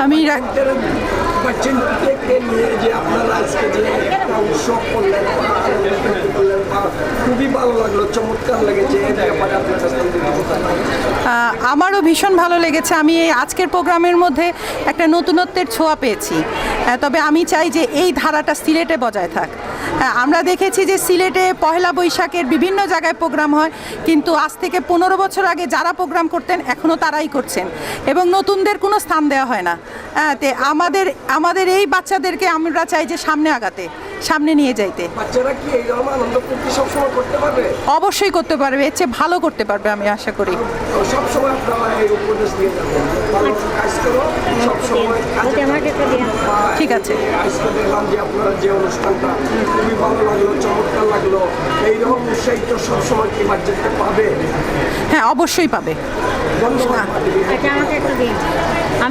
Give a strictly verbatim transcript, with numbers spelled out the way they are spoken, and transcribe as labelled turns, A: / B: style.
A: আমি
B: বাচ্চাদেরকে নিয়ে যে আপনারা আজকে যে একটা উৎসব করলেন বা আনন্দ করলেন বা খুবই ভালো লাগলো, চমৎকার লেগেছে এই ব্যাপারে আপনার কাছে আমি যদি কথা বলি।
A: আহ, আমারও ভীষণ ভালো লেগেছে। আমি এই আজকের প্রোগ্রামের মধ্যে একটা নতুনত্বের ছোঁয়া পেয়েছি। আহ, তবে আমি চাই যে এই ধারাটা সিলেটে বজায় থাক। হ্যাঁ, আমরা দেখেছি যে সিলেটে পহেলা বৈশাখের বিভিন্ন জায়গায় প্রোগ্রাম হয়, কিন্তু আজ থেকে পনেরো বছর আগে যারা প্রোগ্রাম করতেন এখনও তারাই করছেন এবং নতুনদের কোনো স্থান দেওয়া হয় না। হ্যাঁ, তে আমাদের আমাদের এই বাচ্চাদেরকে আমরা চাই যে সামনে আগাতে, সামনে নিয়ে যাইতে।
B: বাচ্চারা কি এই ধরনের আনন্দ ফুর্তি সবসময় করতে পারবে?
A: অবশ্যই করতে পারবে, এর চেয়ে ভালো করতে পারবে আমি আশা করি।
B: সবসময় আপনারা এই উপদেশ দিয়ে যাবেন, ভালো কাজ করো, সবসময়
A: ঠিক আছে।
B: আজকে দেখলাম যে আপনারা যে অনুষ্ঠানটা খুবই ভালো লাগলো, চমৎকার লাগলো। এইরকম উৎসাহিত সবসময় কি বাচ্চাদেরকে পাবে?
A: হ্যাঁ, অবশ্যই পাবে।
B: ধন্যবাদ।